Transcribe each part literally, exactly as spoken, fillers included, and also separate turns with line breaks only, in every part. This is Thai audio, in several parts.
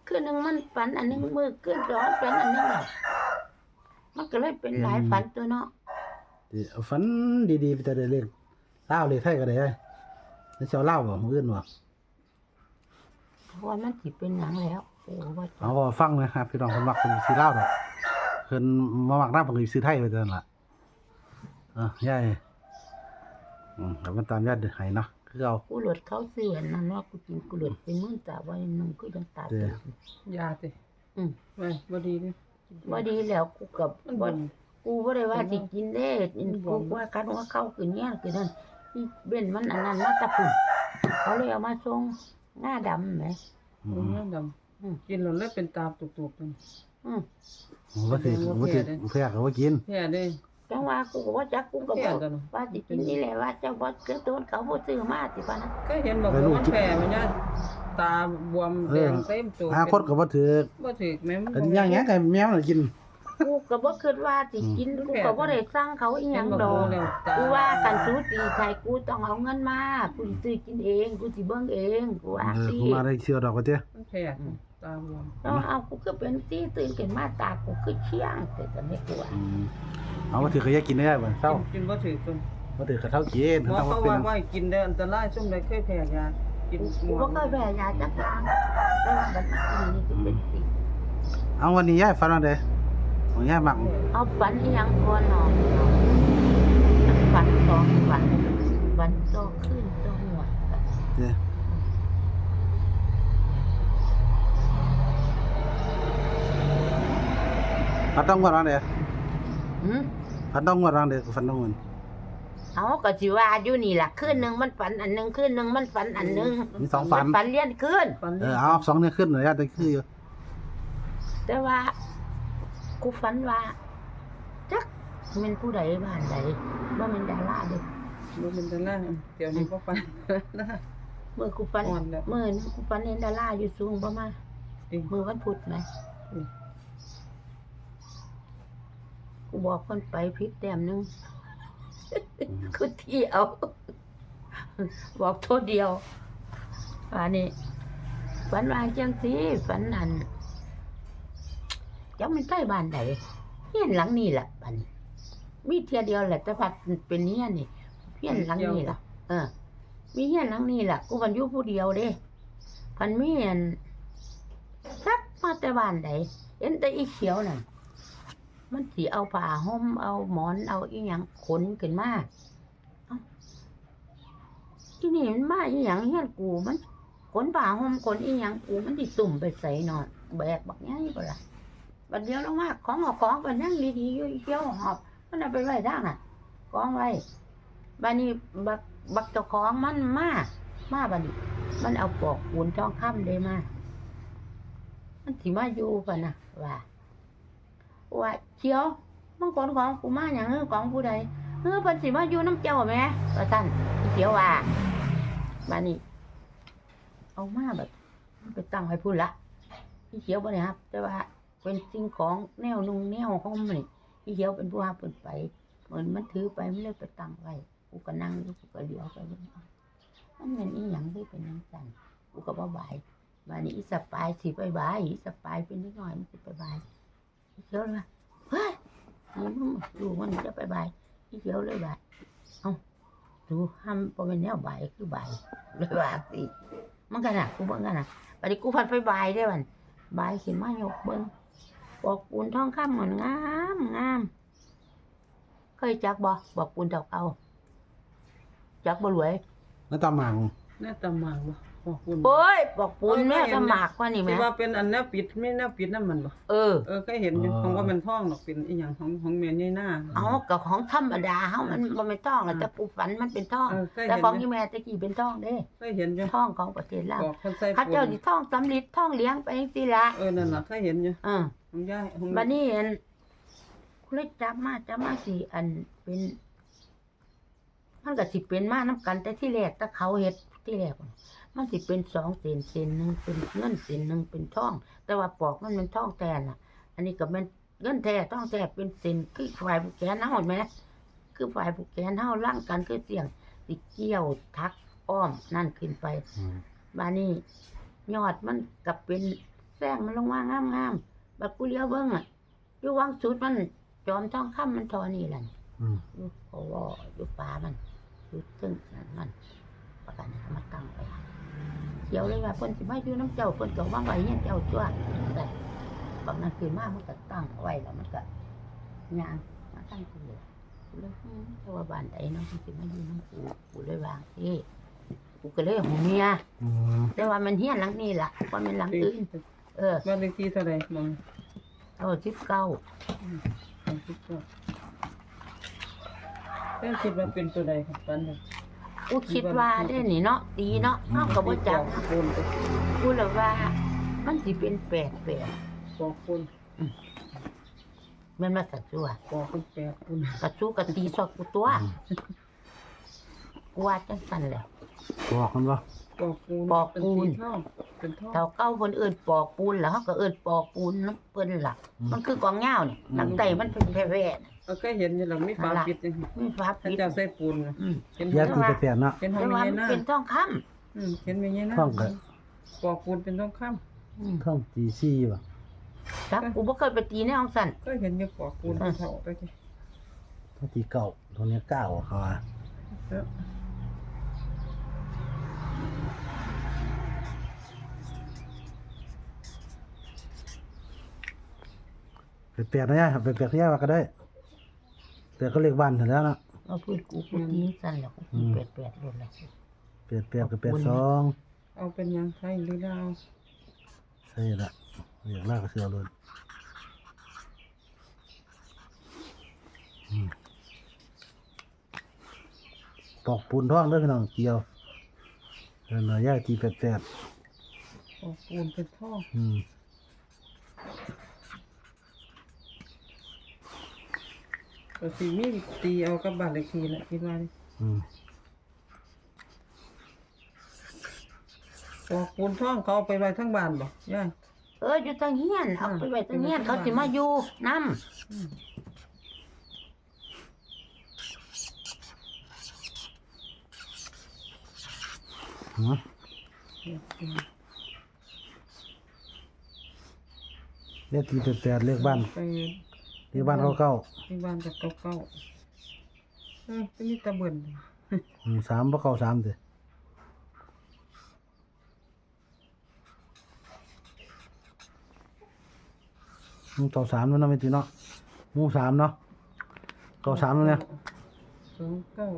คืนนึงมันฝันอันนึงมื้อคืนสองฝันอันนึงน่ะมันก็เลยเป็นหลายฝันตัวเนาะ
สิฝันดีๆไปแต่ได้เลขลาวเลขไทยก็ได้แล้วสิเอาลาวบ่มื้ออื่นบ่
เพราะว่ามันสิเป็นหยังแล้วโอ้ว่า
เอาก็ฟังนะครับพี่น้องเพิ่นมักเพิ่นสิลาวดอกเพิ่นมามักนำเพิ่นก็สิซื้อไทยไปเท่านั้นล่ะเออยายอืมก็มันตามญาติให้เนาะคือเอา
กูหลดเขาซื้ออันนั้นว่ากูกินกูหลดเป็นมื้อตาไว้นึงคือจังตาเต็ม
ยาติ
อืม
ไว้บ่ดีเด้
บ่ดีแล้วกูก็บ่
มัน
กูบ่ได้ว่าสิกินเด้กินกูว่ากันว่าเข้าคือเนี้ยคือนั่นอีเบ้นมันอันนั้นมาแตะพุ่นเขาเลยเอามาส่งหน้าดำแหม
อื
อื
ม
มดำอืมกินแล้วเลยเป็นตาตุกๆนั่น
อืม
บ่สิบ่สิเพื่อก็บ่กิน
แพ้เด้
จังว่ากูก็บ่จักกูก็บอกว่าสิกินนี่แหละว่าเจ้าบ่เกิดต้นเขาบ่ซื้อมาสิว่านะ
ก็เห็นบอกว่ามันแพ้มันเนี่ยตาบวมแดงเต็มตัว
หาคนก็บ่ถือ
บ่ถูกแม่มัน
ก็ย่างหยังก็แมวน่ะกิน
กูก็บ่คิดว่าสิกินกูก็บ่ได้สั่งเขาอีหยังดอกกูว่ากันสูสิใครกูต้องเอาเงินมากูสิซื้อกินเองกูสิเบิ่งเองกูว่า
เออ
สิ
กูมาได้เชื่อดอกว่าเด้
มันแพ้ตาบวม
แล้วเอากูก็เป็นที่ตื่นขึ้นมาตากูคือเชี่ยงแต่จะไม่กลัว
อืมเอาบ่ถือก็อย่ากินได้บ่เศร้า
กินบ่ถูกตัว
บ่ถือก็เท่ากิน
หมอ
ต้อง
เขา
เป็น
ว่าว่ากินได้อันตรายซุ่มใดเคยแพ้ยากินหม
กู
อ
ก็เคยแพ้ยาจักรางแต่ว่าบัดนี้นี่คือเป็นสิ
เอาวันนี้ยายฝันว่าไดของยายมัก
เอาฝันอีหยังก่อนเนาะฝันสองฝันฝันโตขึ้นโตหัว
เด้ฝันต้องงวดว่าได
หืม
ฝันต้องงวดว่าไดฝันต้องงวด
เอาก็สิว่าอยู่นี่ล่ะคืนนึงมันฝันอันนึงคืนนึงมันฝันอันนึง
มีสองฝัน
ฝันเลี้ยนคืน
ฟัน
เออเอาสองเนี่ยขึ้นหน่อยยายแต่คืออยู่
แต่ว่ากูฝันว่าจักเป็นผู้ใดบ้านใดบ่แม่นดาราเด้
บ่เป็นตารางเดี๋ยวนี้บ่ฟัน
เมื่อกูฝัน
อ่อนแล้ว
เมื่อนั้นกูฝันเห็นดาราอยู่สูงประมาณ
เอง
มือวันพุธไหมกูบอกคนไปพริกแต้มหนึงคือที่เอา บอกโทษเดียวอันนี้ฝันว่าจังสิฝันนั่นจังมันใกล้บ้านใดเฮียนหลังนี้ล่ะบัดนี้มีเทียเดียวแหละแต่ว่าเป็นเฮียนนี่เฮียนหลังนี้ล่ะ เออ มีเฮียนหลังนี้ล่ะกูกันอยู่ผู้เดียวเด้พันมีอันสักมาแต่บ้านใดเห็นแต่อีเขียวนั่นมันสิเอาผ้าห่มเอาหมอนเอาอีหยังขนขึ้นมาเอ้าที่นี่มันมาอีหยังเฮียนกูมันขนผ้าห่มขนอีหยังกูมันสิตุ่มไปใส่นอนแบกบักใหญ่บ่ล่ะบัดเดียวลงมาของเอาของไปนั่งดีๆอยู่อีเขียวหอบมันเอาไปไว้ทางน่ะกองไว้บัดนี้บักบักเจ้าของมันมามาบัดนี้มันเอาปอกปูนทองคำได้มามันสิมาอยู่ปะนะว่าว่าเขียวมึงขนของกูมาหยังเออของผู้ใดเออเพิ่นสิมาอยู่น้ำเจ้าแหมว่าซั่นอีเขียวว่าบัดนี้เอามาแบบไปตั้งไว้พุ่นละอีเขียวบ่ได้ครับแต่ว่าเป็นสิ่งของแนวนุ่งแนวห่มนี่อีเขียวเป็นผู้รับเพิ่นไปเหมือนมันถือไปมันเลยไปตั้งไว้กูก็นั่งอยู่กูก็เลี้ยวไปเบิ่งมันเป็นอีหยังที่เป็นจังซั่นกูก็บ่บายบัดนี้อีสปายสิไปบายอีสปายเป็นนิดหน่อยมันสิไปบายอีเขียวเลยว่าเฮ้ยมันดูมันจะไปบายอีเขียวเลยว่าเอ้าดูห้ามบ่เป็นแนวบายคือบายเลยว่าสิมันก็น่ะกูเบิ่งกันน่ะบัดนี้กูพัดไปบายได้บัดบายขึ้นมายกเบิ่งบอกปูนทองคำมันงามงามเคยจักบ่บอกปูนดอกเอาจักบ่รวย
แล้วตามหมาง
แน่ตำหมากบ่บอกคุณ
โอ้ยบอกปูนแม่ก็หมากกว่านี่
สิ
แม่
ว่าเป็นอันแนวปิดไม่แนวปิดนั่นมันบ่
เออ
เออเคยเห็นอยู่ของว่ามันท่องดอกเป็นอีหยังของของแม่ใหญ่หน้า
เอากับของธรรมดาเฮามันบ่แม่นทองหรอกแต่ปูฝันมันเป็นทอง
เออเคย
แต่
เห็น
ของที่แม่ตะกี้เป็นทองเด้
เคยเห็นอยู่
ทองของประเทศลาว
บอกคนใส่
เขา
ปู
เจ้าน สิทองสำริดทองเหลี้ยงไปจังซี่ล่ะ
เออนั่นล่ะเคยเห็นอยู่
เออ
ของยายของ
บัดนี้เห็นคุณเลยจับมาจับมาสิอันเป็นมันก็สิเป็นมานํกันแต่ที่แรกถ้าเขาเฮ็ดที่แรกมันสิเป็นสองเส้นเส้นหนึงเป็นเงินเส้นหนึงเป็นทอง แต่ว่าปอกมันเป็นทองแท้น่ะ อันนี้ก็เป็นเงินแท้ทองแท้เป็นเส้นคือฝ่ายผู้แขนเฮาเห็นไหมคือฝ่ายผู้แขนเฮาร่างกันคือเสียงสิเกี่ยวทักอ้อมนั่นขึ้นไป
อืม
บานี้ยอดมันก็เป็นแซงมันลงมางามๆบัดกูเลี้ยวเบิ่งอ่ะอยู่วังสุดมันจอมทองคำมันเทอนี่แหละ
อืม
อยู่เพราะว่าอยู่ป่ามันอยู่ซึ่งนั่นมันประกันเอามาตั้งไว้เดี๋ยวเลยว่าเพิ่นสิมาอยู่น้ำเจ้าเพิ่นก็วางไว้เฮียนเจ้าตัวแต่บางนั้นคือมามันก็ตั้งไว้แล้วมันก็ย่างมาตั้งกูเลยกูเลยอืมแต่ว่าบ้านใดเนาะมันสิมาอยู่น้ำกูกูเลยวางเอ้กูก็เลยหูเมีย
อืม
แต่ว่ามันเฮียนหลังนี้ล่ะว่ามันหลังอื่นเออ
บ้านเลขที่เท่าไหร่มอง
เอาสิบเก้า
สามสิบเก้าแม่คิดว่าเป็นตัวใดครับปันเนี่ย
กูคิดว่าได้นี่เนาะดีเนาะเฮาก็บ่จัก
ปอกปูนไป
กูเลยว่า มันสิเป็นแปดแปด
ปอกปูน
แม่นมาสัตว์ตัว
ปอกเป็นแปดปูน
กระจูกระตีซอกกูตัวกูว่าจังซั่นแหล้ว
บอกมันบ่
ปอกปูน
ปอกปูน
เป็นสีทองเป็นทอง
เท่าเก้าเพิ่นเอิ้นปอกปูนแล้วเฮาก็เอิ้นปอกปูนนำเพิ่นล่ะ มันคือกองยาวนี่หนังไตมันเป็นแผ่ๆน่ะ
เอาเคยเห็นอยู่หลังมีฝาปิดจังซี่
มีฟ้า
ถ้า
ปิด
เจ้าใส่ปูนน่ะ
อืม
เห็น
ยา
ห้อง
ตีแปดๆเนาะ
เห็นห้อ
แต่
ง
ว่า
มี
มัน
หน้า
เป็นทองคำ
อืมเห็นมีหน้า
ท่องก็
ปอกปูนเป็นทองคำ
อืม
ท่องตีซี่บ่
จักกูบ่เคยไปตีในห้องสั่น
ก็เห็นอยู่ปอกปูนเป็นเท่าไปที
ท่องตีเก่าตัวเนี้ยเก้าเขาว่า
เออ
แปดๆนะยายแปดๆยายว่าก็ได้แต่ก็เลขบ้านเถอะแล้วเนาะ
เอาพูดกูกูตีสั่นแล้วกูตีแปดๆโลดแล้ว
แปดๆกับแปดสอง
เอาเป็นหยังไทยหรือดาว
ใช่ละอยากลากก็เสือเลยอืมปอกปูนท่องเด้อพี่น้องเกี่ยวเออหน่อยย่ายตีแปด
ปอกปูนเป็นท่อ
ๆอืม
ก็สิมีตีเอากับบ้านเลขที่แหละคิดว่านี่
อืม
ปอกปูนท่องเขาเอาไปไว้ทั้งบ้านบ่ยาย
เอออยู่ทางเฮียนเอาไปไว้ทางเฮียนเขาสิมาอยู่นำ
หือเลขตีแปดๆเลขบ้าน
ไป
เลขบ้านเก้าเก้า
ที่บ้านกับเก่าๆเออจะมีตะเบิ่น
อืมสามบ่เก้าสามเด้ออืมเก้าสามมันเนาะไม่ตีเนาะหมู่สามเนาะเก้าสามแล้วเนี่ย
สองเก้า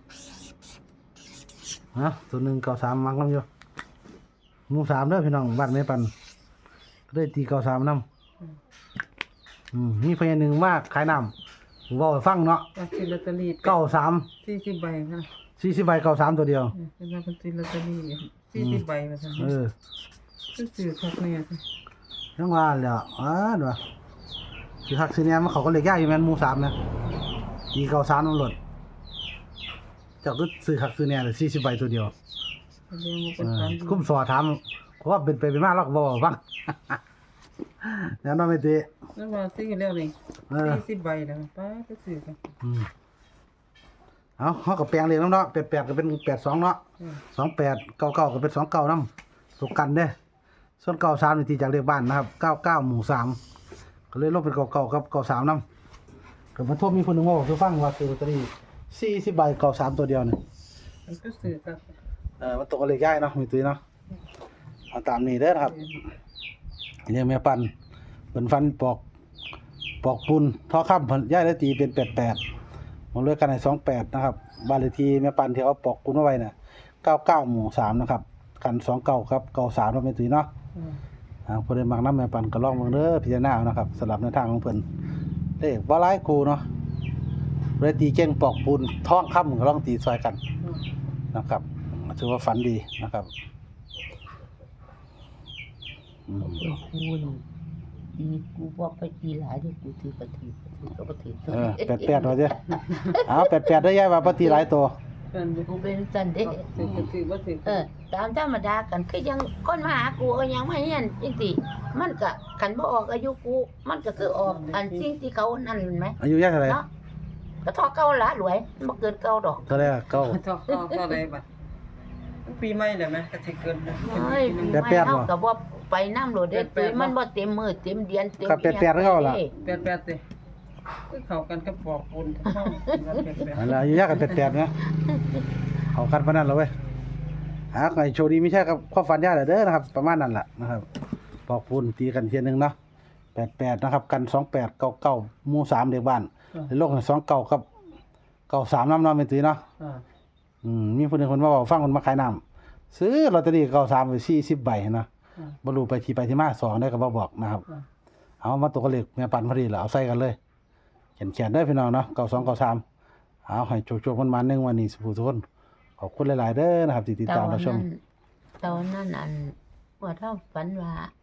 ฮะตัวหนึ่งเก้าสามมักน้ำอยู่หมู่สามเด้อพี่น้องบ้านแม่ปันก็ได้ตีเก้าสามน้ำอืมมีเพลงหนึ่งมากขายน้ำผมบอกให้ฟังเนาะ
ว่าซื้อลอตเตอรี่
เก้าสาม
สี่สิบใบค่ะ
สี่สิบใบเก้าสามตัวเดียว
เออเป็นว่าเป็นซื้อลอตเตอรี่สี่สิบใบว่าซั่น
เออ
ซื้อซื้อคักแน่จ้ะ
ยังว่าแล้วอ่าดูว่าคือหักซีเนียมันเขาก็เลยยากอยู่แม่นหมู่สามนะตีเก้าสามน้ำหลดเจากก็ซื้อหักซีเนียเลยสี่สิบใบตัวเดียว
แสดงว่า
เอ
เป็น
อ
ความ
คุ้มสอถามเพราะว่าเป็นไปเป็นมาเราก็บอกให้ฟัง แล้วน้องไม่ตี
นั่นว่าซื้อแล้วนี่
เออ
สี่สิบใบแล้วป้าไปซื้อกัน
อืมเอาเขากับแปลงเลยน้ำเนาะแปดแปดก็เป็นแปดสองเนาะ
อืม
สองแปดเก้าเก้าก็เป็นสองเก้าน้ำตกกันเด้ส่วนเก้าสามนี่ตีจากเลขบ้านนะครับเก้าเก้าหมู่สามก็เลยลบเป็นเก้าเก้ากับเก้าสามน้ำก็มาโทษมีคนหนึ่งว่าคือฟังว่าซื้อลอตเตอรี่สี่สิบใบเก้าสามตัวเดียวเนี่ย
มันก็ซื้อกัน
เออมันตกกันเลขย่ายเนาะมีตุ้ยเนาะเอาตามนี้เด้อนะครับเรียกแม่ปันเป็นฟันปอกปอกปูนท่อข้ามย่ายได้ตีเป็นแปดแปดมันเลือกกันในสองแปดนะครับบ้านเลขที่แม่ปันที่เขาปอกปูนเอาไว้น่ะเก้าเก้าหมู่สามนะครับกันสองเก้าครับเก้าสามเราไม่ตุ้ยเนาะ
อืม
อ่าพอได้มักน้ำแม่ปันก็ลองเบิ่งเด้อพิจารณาเอานะครับสำหรับในวทางของเพิ่นเด้บ่หลายกูเนาะเลยตีเก่งปอกปูนท้องค่ำก็ลองตีซอยกัน
อืม
นะครับถือว่าฝันดีนะครับอืม
เออกูนี่ตีกูบ่ไปตีหลายเด้อกูถือกระถือกระถือก็บ่ถือ
เออแปดๆว่าเด้อเอาแปดๆได้ยายว่าบ่ตีหลายตัว
กันอยู่
กูเป็นจันเด้
ถือก็ถือบ่ถือ
เออตามธรรมดากันคือยังคนมาหากูก็ยังไม่เห็นจริงๆมันก็คันบ่ออกอายุกูมันก็คือออกอันสิ่งที่เขานั่นเห็นไหม
อายุยายเท่าไหร่
เนาะก็ทอเก่าละรวยมันบ่เกินเก่าดอก
เท่าไหร่อะเก้า
ต่อต่อต่อได้บัดปีใหม่แล้วมั้ยก็สิเกินนะ
เฮ้ย
แปดแปด
เฮา
บ่
ก็บ่ไปน้ำโหลดได้ตุ้ยมันบ่เต็มมือเต็มเดือนเต็ม
ก็แปดแปดคือเก่าล่ะ
แปดแปดติเอ้ยเข้ากันกับปอกปูนเข้าแปดแปด
นั่นล่ะอยู่ยากกันแปดๆนะเอากันปานนั้นแล้วเว้ยหาให้โชคดีไม่ใช่ครับความฝันยายเด้อนะครับ ประมาณนั้นล่ะนะครับปอกปูนตีกันเทียนึงเนาะแปดแปดนะครับกันสองแปดเก้าเก้าหมู่สามเด็กบ้านในโลกสองเก้ากับเก้าสามนำเนาะแม่นตุ้ยเนาะ
อ่า
อืมมีผู้หนึงเพิ่นมาเว้าฟังเพิ่นมาขายน้ำซื้อลอตเตอรี่เก้าสามไปสี่สิบใบนะ
อ่า
บ่รู้ไปที่ไปที่มาสองได้ก็บ่บอกนะครับ
อ่า
เอามาตัวกเลขแม่ปันพอดีแล้วเอาใส่กันเลยเขียนเขียนได้อพี่น้องเนาะเก้าสองเก้าสามเอาให้โชคๆมันมาหนึ่งวันนี้สุขทุกคนขอบคุณหลายๆเด้อนะครับที่ติด
ต
ตา
อ
ม
น
รับช
นั้
ม
นตอนนั้นอันว่าเท่าฝันว่า